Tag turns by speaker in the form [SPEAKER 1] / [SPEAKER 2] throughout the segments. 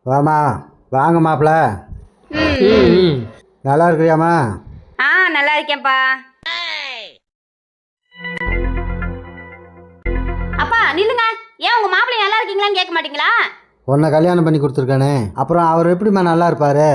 [SPEAKER 1] வாமா வாங்க மாப்பிள்ள. நல்லா இருக்கிறியாம்மா?
[SPEAKER 2] நல்லா இருக்கேன்ப்பா. அப்பா நில்லுங்க. ஏன் உங்க மாப்பிள்ளை நல்லா இருக்கீங்களான்னு கேட்க மாட்டீங்களா?
[SPEAKER 1] உன்னை கல்யாணம் பண்ணி கொடுத்துருக்கானே, அப்புறம் அவர் எப்படிம்மா நல்லா இருப்பாரு?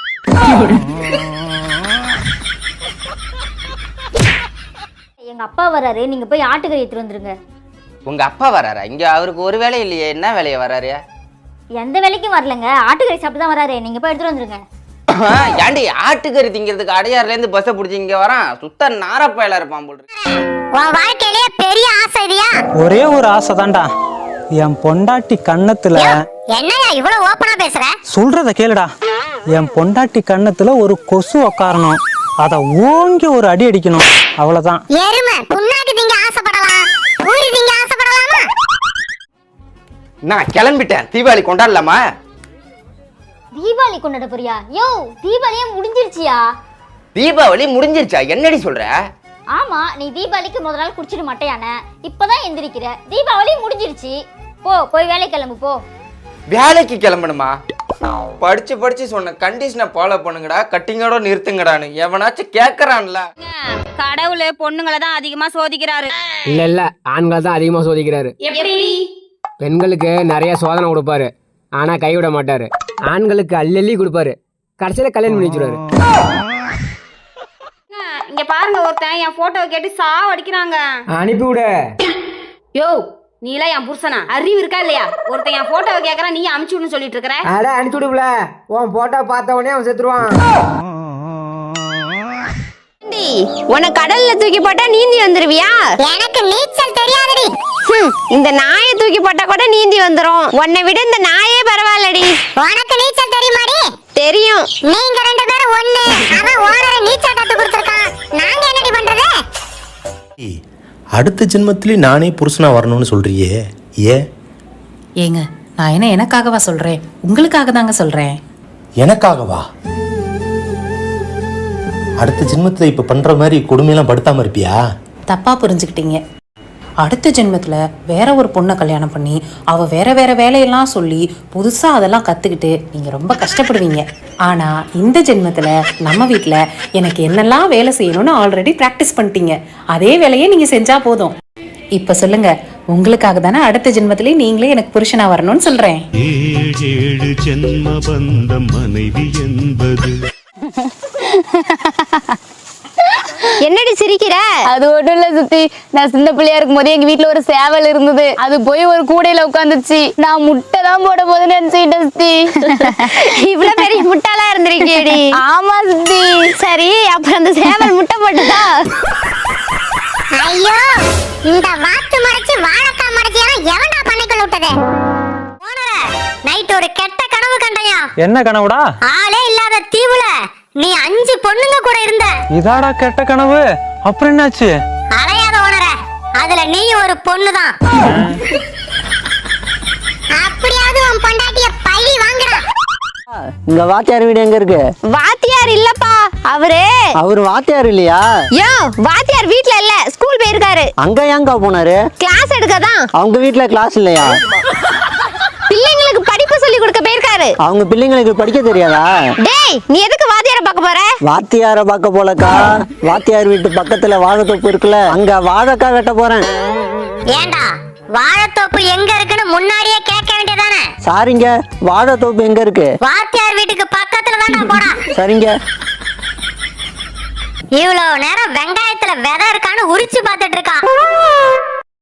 [SPEAKER 3] எங்க அப்பா வராரு, நீங்க போய் ஆட்டுக்கறி எடுத்துட்டு வந்துருங்க.
[SPEAKER 4] உங்க அப்பா வராரா? இங்க அவருக்கு ஒரு வேலை இல்லையே, என்ன வேலையை வராரு?
[SPEAKER 3] எந்த வேலைக்கும் வரலங்க, ஆட்டுக்கறி சாப்பிட்டு தான் வராரு. நீங்க போய் எடுத்துட்டு வந்துருங்க.
[SPEAKER 4] ஏண்டி ஆட்டுக்கறி திங்கிறதுக்கு அடையாறுல இருந்து பஸ்ஸை பிடிச்சி இங்க வரான்? சுத்த நாரப்பயலா இருப்பான் போல்.
[SPEAKER 3] உன் வாழ்க்கையிலே பெரிய ஆசை இதுயா?
[SPEAKER 5] ஒரே ஒரு ஆசை தான்டா, என் பொண்டாட்டி கண்ணத்துல.
[SPEAKER 3] என்னையா இவ்வளவு ஓப்பனா பேசுற?
[SPEAKER 5] சொல்றத கேளுடா. என் பொண்டாட்டி கண்ணத்துல ஒரு கொசு உக்காரணும், அத ஓங்கி ஒரு அடி அடிக்கணும், அவ்வளவுதான்.
[SPEAKER 3] எருமை புண்ணாக்கு திங்க ஆசைப்படலாம், ஊரி திங்க ஆசைப்படலாமா?
[SPEAKER 4] நான் கிளம்பிட்டேன், தீபாவளி கொண்டாடலாமா?
[SPEAKER 3] தீபாவளி கொண்டாட போறியா? யோ தீபாவளியே முடிஞ்சிருச்சியா?
[SPEAKER 4] தீபாவளி முடிஞ்சிருச்சா? என்னடி சொல்ற?
[SPEAKER 3] ஆமா, நீ தீபாவளிக்கு முதல் நாள் குடிச்சிட்டு மாட்டேயான, இப்பதான் எந்திரிக்கிற. தீபாவளி முடிஞ்சிருச்சு, போய் வேலை கிளம்பு போ.
[SPEAKER 4] வேலைக்கு கிளம்பணுமா? படிச்சு படிச்சு சொன்ன கண்டிஷனை ஃபாலோ பண்ணுங்கடா, கட்டிங்கோட நிறுத்துங்கடான்னு எவனாச்சும் கேக்குறான்ல.
[SPEAKER 2] கடவுள் பொண்ணுங்களை தான் அதிகமா சோதிக்கிறாரு.
[SPEAKER 6] இல்ல ஆண்களை தான் அதிகமா சோதிக்கிறாரு.
[SPEAKER 2] எப்படி?
[SPEAKER 6] பெண்களுக்கு நிறைய சோதனை கொடுப்பாரு, ஆனா கைவிட மாட்டாரு. ஆண்களுக்கு அள்ளி கொடுப்பாரு, கடைசியில கல்யாணம் பண்ணி வச்சிருவாரு.
[SPEAKER 2] இங்க பாருங்க, ஒருத்தன் என் போட்டோவை கேட்டு சாவ அடிக்கிறாங்க.
[SPEAKER 6] அனுப்பி விட.
[SPEAKER 2] யோ நீலாம் என் புருஷனா? அறிவு இருக்கா இல்லையா? ஒருத்தன் என் போட்டோவை கேக்குறான், நீ அனுப்பிச்சு விடுன்னு சொல்லிட்டு இருக்கிற.
[SPEAKER 6] அட அனுப்பிச்சு விடுப்ல, உன் போட்டோ பார்த்த உடனே அவன் செத்துருவான்.
[SPEAKER 2] உன்னை கடல்ல தூக்கி போட்டா நீந்தி வந்துருவியா?
[SPEAKER 3] எனக்கு நீச்சல் தெரியாதடி.
[SPEAKER 2] இந்த நாயை தூக்கி போட்டா கூட நீந்தி வந்துரும். உன்னை விட இந்த நாயே பரவாயில்லடி.
[SPEAKER 3] உனக்கு நீச்சல் தெரியுமாடி?
[SPEAKER 2] தெரியும்.
[SPEAKER 3] நீங்க ரெண்டு பேரும் ஒண்ணு. அவன் ஓனரை நீச்சல் கத்து கொடுத்திருக்கான், நாங்க என்னடி பண்றது?
[SPEAKER 7] அடுத்த ஜென்மத்திலே நானே புருஷனா வரணும்னு சொல்றியே,
[SPEAKER 8] ஏங்க நான் என்ன எனக்காகவா சொல்றேன், உங்களுக்காக தாங்க சொல்றேன்.
[SPEAKER 7] எனக்காகவா? அடுத்த ஜென்மத்துல இப்ப பண்ற மாதிரி கொடுமையெல்லாம் படுத்தாம இருப்பியா?
[SPEAKER 8] தப்பா புரிஞ்சுக்கிட்டீங்க. அடுத்த ஜென்மத்துல வேற ஒரு பொண்ணை கல்யாணம் பண்ணி அவ வேற வேற வேலையெல்லாம் சொல்லி புதுசா அதெல்லாம் கத்துக்கிட்டு நீங்க ரொம்ப கஷ்டப்படுவீங்க. ஆனா இந்த ஜென்மத்துல நம்ம வீட்டுல எனக்கு என்னெல்லாம் வேலை செய்யணும்னு ஆல்ரெடி பிராக்டிஸ் பண்ணிட்டீங்க. அதே வேலையை நீங்க செஞ்சா போதும். இப்ப சொல்லுங்க, உங்களுக்காக தானே அடுத்த ஜென்மத்திலே நீங்களே எனக்கு புருஷனா வரணும்னு சொல்றேன்.
[SPEAKER 9] 7 ஜென்ம பந்தம் மனைவி என்பது.
[SPEAKER 2] என்னடி சிரிக்கிற?
[SPEAKER 10] அது ஒண்ணும் இல்ல சுத்தி, நான் சின்ன பிள்ளையா இருக்கும் போது எங்க வீட்டுல ஒரு சேவல் இருந்தது. அது போய் ஒரு கூடையில உட்காந்துச்சு. நான் முட்டை தான் போட போது நினைச்சுட்டேன் சுத்தி.
[SPEAKER 2] இவ்வளவு பெரிய முட்டாளா இருந்திருக்கேடி.
[SPEAKER 10] ஆமா சுத்தி.
[SPEAKER 2] சரி, அப்புறம் அந்த சேவல் முட்டை போட்டுதா?
[SPEAKER 3] ஐயோ, இந்த வாத்து மறைச்சு வாழைக்காய் மறைச்சியா எவன்டா பண்ணைக்குள்ள விட்டது? ஓனரே, நைட் ஒரு கெட்ட கனவு கண்டையா.
[SPEAKER 5] என்ன கனவுடா?
[SPEAKER 3] ஆளே இல்லாத தீவுல நீ 5 பொண்ணுங்க கூட இருந்த.
[SPEAKER 5] இதாடா கெட்ட கனவு? அப்புறம் என்னாச்சு?
[SPEAKER 3] அலையாத ஓனரே, அதுல நீ ஒரு பொண்ணுதான். அப்படியாவது உன் பொண்டாட்டிய பழி வாங்குடா.
[SPEAKER 1] இங்க வாத்தியார் வீடு எங்க இருக்கு?
[SPEAKER 2] வாத்தியார் இல்லப்பா,
[SPEAKER 1] அவரு வாத்தியார் இல்லையா?
[SPEAKER 2] யோ வாத்தியார் வீட்ல இல்ல, ஸ்கூல் போயிருக்காரு.
[SPEAKER 1] அங்க ஏங்க போனாரு?
[SPEAKER 2] கிளாஸ் எடுக்கதான்.
[SPEAKER 1] அவங்க வீட்டுல கிளாஸ் இல்லையா?
[SPEAKER 2] பிள்ளைங்களுக்கு படிப்பு சொல்லி கொடுக்க போயிருக்காரு.
[SPEAKER 1] அவங்க பிள்ளைங்களுக்கு படிக்க தெரியாதா?
[SPEAKER 2] டேய், நீ எதுக்கு வாத்தியார பார்க்க போற?
[SPEAKER 1] வாத்தியார பார்க்க போலக்கா, வாத்தியார் வீட்டு பக்கத்துல வாழைத்தோப்பு இருக்குல்ல, அங்க வாழைக்காய் வெட்ட போறேன்.
[SPEAKER 3] ஏண்டா, வாழைத்தோப்பு எங்க இருக்குன்னு முன்னாடியே கேட்க வேண்டியதானே?
[SPEAKER 1] சாரிங்க, வாழைத்தோப்பு எங்க இருக்கு?
[SPEAKER 3] வாத்தியார் வீட்டுக்கு பக்கத்துல தான்டா போடா.
[SPEAKER 1] சரிங்க.
[SPEAKER 3] இவ்வளவு நேரம் வெங்காயத்துல விதை இருக்கான்னு உரிச்சு பார்த்துட்டு இருக்கான்.